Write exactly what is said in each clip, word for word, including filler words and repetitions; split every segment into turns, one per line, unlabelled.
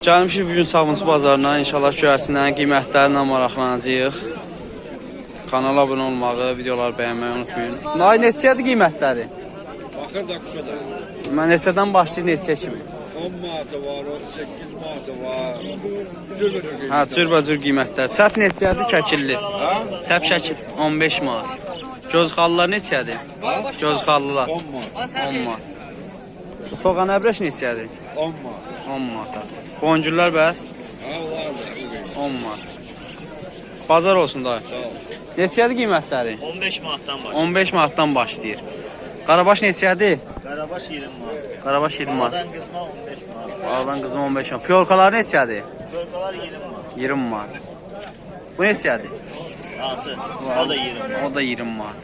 Gəlmişik bugün Sabunçu bazarına, inşallah göyərçindən, qiymətlərindən maraqlanacağıq. Kanala abunə olmağı, videoları bəyənməyi unutmayın. Nay, neçədir qiymətləri?
Baxır da quşadan.
Mən neçədən başlayır, neçə kimi?
on manatı var, on səkkiz manatı var. Cürbəcür qiymətlər.
Hə, cürbəcür qiymətlər. Çəp neçədir, kəkilli?
Hə?
Çəp şəkil, on beş manat. Gözxallılar neçədir? Gözxallılar.
on manat.
on manat. Soğan əbrəş neçədir?
on manat.
on manat. Boncuklar bəs?
Hə, var da.
on manat. Bazar olsun da.
Sağ ol.
Neçədir qiymətləri?
on beş manatdan başlayır.
on beş manatdan başlayır. Qarabaş neçədir?
Qarabaş iyirmi manat.
Qarabaş iyirmi manat.
Ağdan qızma on beş manat.
Ağdan qızım on beş manat. Fiyorkalar neçədir?
Bölqalar iyirmi manat.
iyirmi manat. Bu neçədir?
Hansı? O da iyirmi manat.
O da iyirmi manat.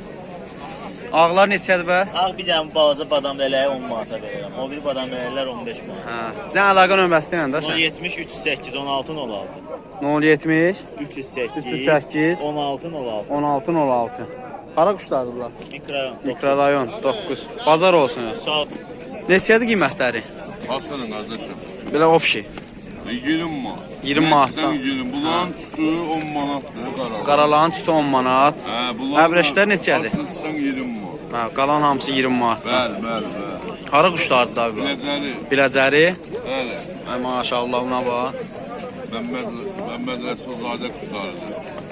Ağlar neçədir bəs?
Ağ bir dənə balaca badam lələyi on manata verirəm. O bir badam lələklər on beş manat.
Hə. Nə əlaqə nömrəsi ilə də
nol
sən?
yetmiş üç yüz səkkiz on altı nol altı.
nol yetmiş
üç yüz səkkiz
üç yüz səkkiz
on altı nol altı.
on altı nol altı. Hara quşlardır bunlar?
Mikrorayon.
Mikrorayon doqquz. Bazar olsun.
Sağ ol.
Neçədir qiymətləri?
Aslanın qardaşım.
Belə opşi.
iyirmi manat.
iyirmi manatdan.
iyirmi. Bunların tütü on manatdır qaralar.
Qaralağın tütü on manat.
Hə, bunlar.
Əbrəşlər neçədir?
Aslan iyirmi manat.
Hə, qalan hamısı iyirmi manatdan.
Bəli, bəli, bəli.
Hara quşlardır da bunlar?
Biləcəri.
Biləcəri.
Bəli.
Ay maşallah buna bax.
Məmməd Məmməd Rəsulzadə quşlarıdır.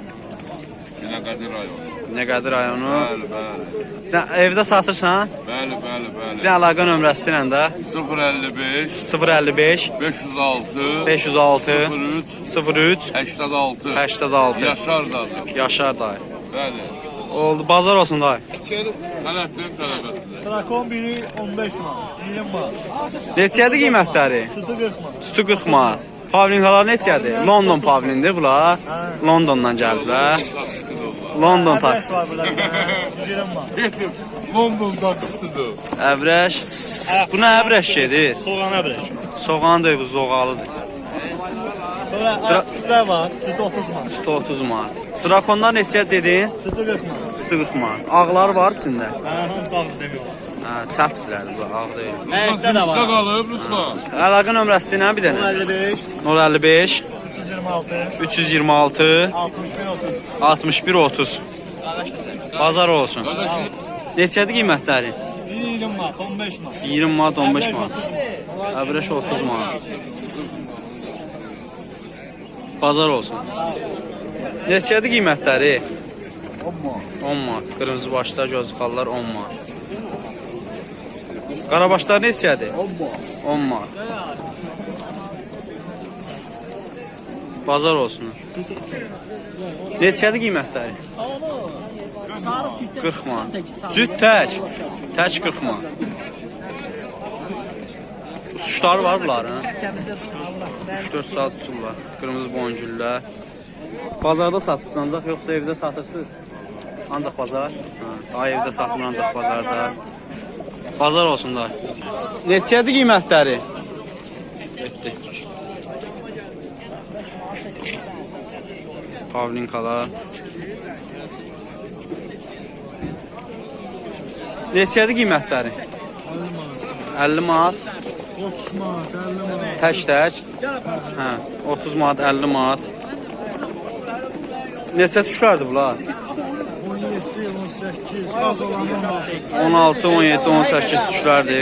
Binəqədi rayonu.
Binəqədi rayonu.
Bəli, bəli.
Sən evdə satırsan?
Bəli, bəli,
Bir
bəli.
də əlaqə nömrəsi ilə də
sıfır əlli beş
sıfır əlli beş
beş yüz altı
beş yüz altı
sıfır üç
sıfır üç
səksən altı
səksən altı.
Yaşar dadı.
Yaşar dayı.
Bəli.
Oldu, bazar olsun dayı.
Tələffüzün tələbəsidir.
Trakon biri on beş manat, iyirmi manat.
Neçədir qiymətləri?
Sütü qırx manat.
Sütü qırx manat. Pavlinkalar neçədir? London pavlindir bunlar. Londondan gəliblər. London
Adres
taksi.
var burada bir dənə, iyirmi manat.
Getir. London taksisidir.
Əbrəş. Bu nə əbrəş gedir?
Soğan əbrək.
Soğan da bu zoğalıdır.
Sonra artışlar var, sütü otuz manat.
Sütü otuz manat. Drakonlar neçə dedin?
Sütü qırx manat.
Sütü qırx manat. Ağlar var içində.
Hə, hamısı ağır demiyorlar.
Hə, çəpdirlər bu, ağ deyil.
Nəyətdə də var.
qalıb Ruslan.
Əlaqə nömrəsi ilə bir
on
dənə.
əlli beş,
nol əlli beş
üç yüz iyirmi altı,
üç yüz iyirmi altı
altmış bir otuz.
altmış bir otuz. Bazar olsun. Neçədir qiymətləri?
Biri iyirmi manat, on beş manat.
iyirmi manat, on beş
Əbrək
manat.
otuz manat.
Əbrəş otuz manat. Bazar olsun. Neçədir qiymətləri? on manat. Qırmızı başlar, gözxallar on manat. Qarabaşlar neçədir? on manat. Bazar olsun. Neçədir qiymətləri? qırx manat. Cüt tək. Tək qırx manat. Uçuşları var bunların. üç dörd saat uçurlar. Qırmızı boncuklar. Bazarda satışsınız ancaq yoxsa evdə satırsınız? Ancaq bazar. Ha, ay evdə satılır ancaq bazarda. Bazar olsun da. Neçədir qiymətləri? Etdi. Pavlinkalar. Neçədir qiymətləri? əlli manat.
otuz manat, əlli manat.
Tək-tək. Hə, otuz manat, əlli manat. Neçə tuşlardır bunlar?
on yeddi, on səkkiz, az olan on altı.
on altı, on yeddi, on səkkiz tuşlardır.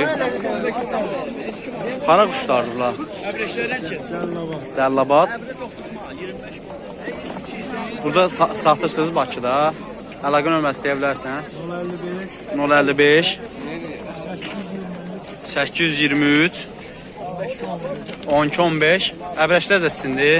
Hara quşlardır bunlar?
Cəllava.
Cəllabad. Burada sa satırsınız Bakıda. Əlaqə nömrəsi deyə bilərsən.
nol əlli beş,
nol əlli beş səkkiz yüz iyirmi üç on iki on beş. Əbrəşlər də sizindir.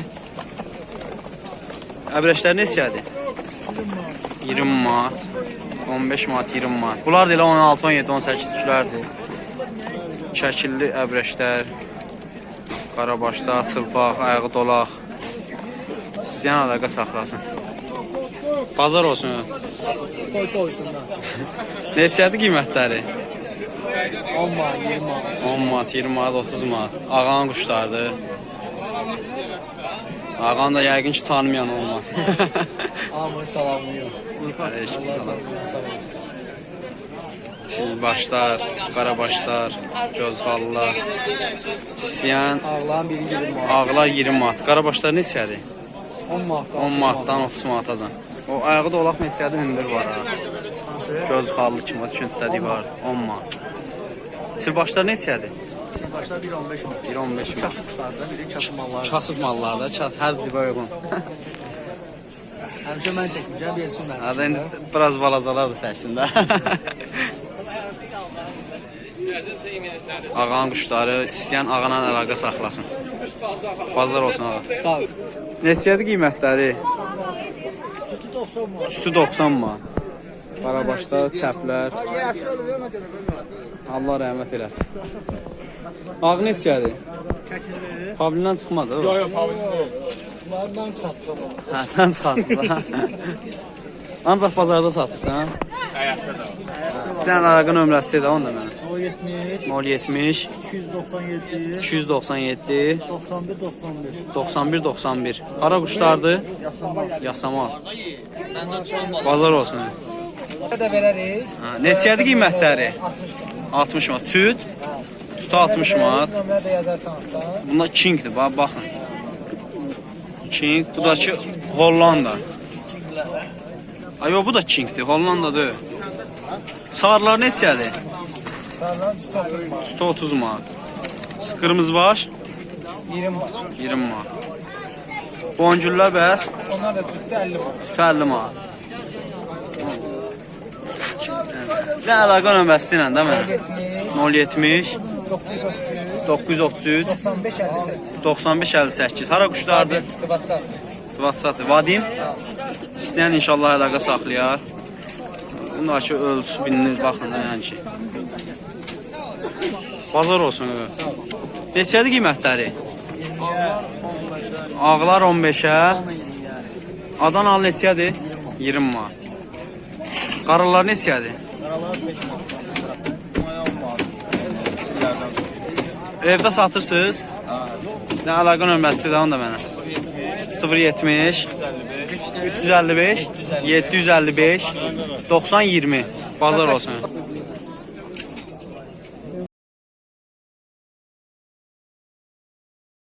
Əbrəşlər neçədir? iyirmi manat. on beş manat, iyirmi manat. Bunlar da elə on altı, on yeddi, on səkkiz tüklərdir. Şəkilli əbrəşlər. Qarabaşlar, çılpaq, ayağı dolaq. İstəyən əlaqə saxlasın. Bazar olsun.
Koy koysunlar.
Neçədir qiymətləri?
on manat, iyirmi manat.
on manat, iyirmi manat, otuz manat. Ağanın quşlardır. Ağan da yəqin ki tanımayan olmaz.
Hamını salamlıyor.
Aleyküm
Allah
salam.
canını sağ olsun.
Başlar, qarabaşlar, gözxallılar. İstəyən
Ağlan biri yirmi manat.
ağlar iyirmi manat. Qarabaşlar neçədir?
on manatdan.
on manatdan otuz manatacan. O ayağı da olaq neçədir? Hündür var ha. Gözxallı kimi üçüncüsü var. on manat. Çilbaşlar neçədir?
Başlar bir on beş manat.
bir on beş manat.
Kuşlarda biri kasım mallar.
Kasıb mallarda çat hər cibə uyğun.
Həmişə mən çəkmişəm, bir su mən.
Hadi indi biraz balacalardır səçində. Ağanın quşları istəyən ağanla əlaqə saxlasın. Bazar olsun ağa.
Sağ ol.
Neçədir qiymətləri? Üstü doxsan manat. Qarabaşlar, çəplər. Allah rəhmət eləsin. Ağ neçədir? Pavlindən çıxmadı o.
Yox, pavilion. Bunlardan çatdım.
Hə, sən satırsan. Ancaq bazarda satırsan?
Həyatda da.
Bir dənə əlaqə nömrəsi də onda mənə.
nol yetmiş,
nol yetmiş,
iki yüz doxsan yeddi,
iki yüz doxsan yeddi,
doxsan bir doxsan bir.
doxsan bir doxsan bir. Hara quşlardır?
Yasamal.
Yasamal. Bazar olsun.
Ne de verərik?
Ha, neçədir qiymətləri? altmış manat. Tüt? Tütü altmış manat.
Nömrə də yazarsan da.
Bunlar Kingdir, bax baxın. King, bu da ki Hollanda. Ay yox, bu da Kingdir, Hollandadır. Sarılar neçədir?
Sağdan üstə oturma.
üstə otuz manat. Qırmızı baş
iyirmi var.
iyirmi manat. Boncuklar bəs
Onlar da tüttü əlli var.
üstə əlli manat. Nə əlaqə nömrəsi ilə də mənə? nol yetmiş,
doqquz yüz otuz üç,
doqquz yüz otuz üç,
doxsan beş əlli səkkiz.
doxsan beş əlli səkkiz. Hara quşlardır?
WhatsApp.
WhatsApp. Vadim. İstəyən inşallah əlaqə saxlayar. Bunlar ki ölçüsü bilinir, baxın da yəni ki. Bazar olsun. Neçədir qiymətləri? Ağlar on beşə. Adanalı neçədir? iyirmi manat. Qaralar neçədir? Evdə satırsınız? Nə əlaqə nömrəsi də onu da mənə. sıfır yetmiş, üç yüz əlli beş, yeddi yüz əlli beş, doxsan iyirmi. Bazar olsun.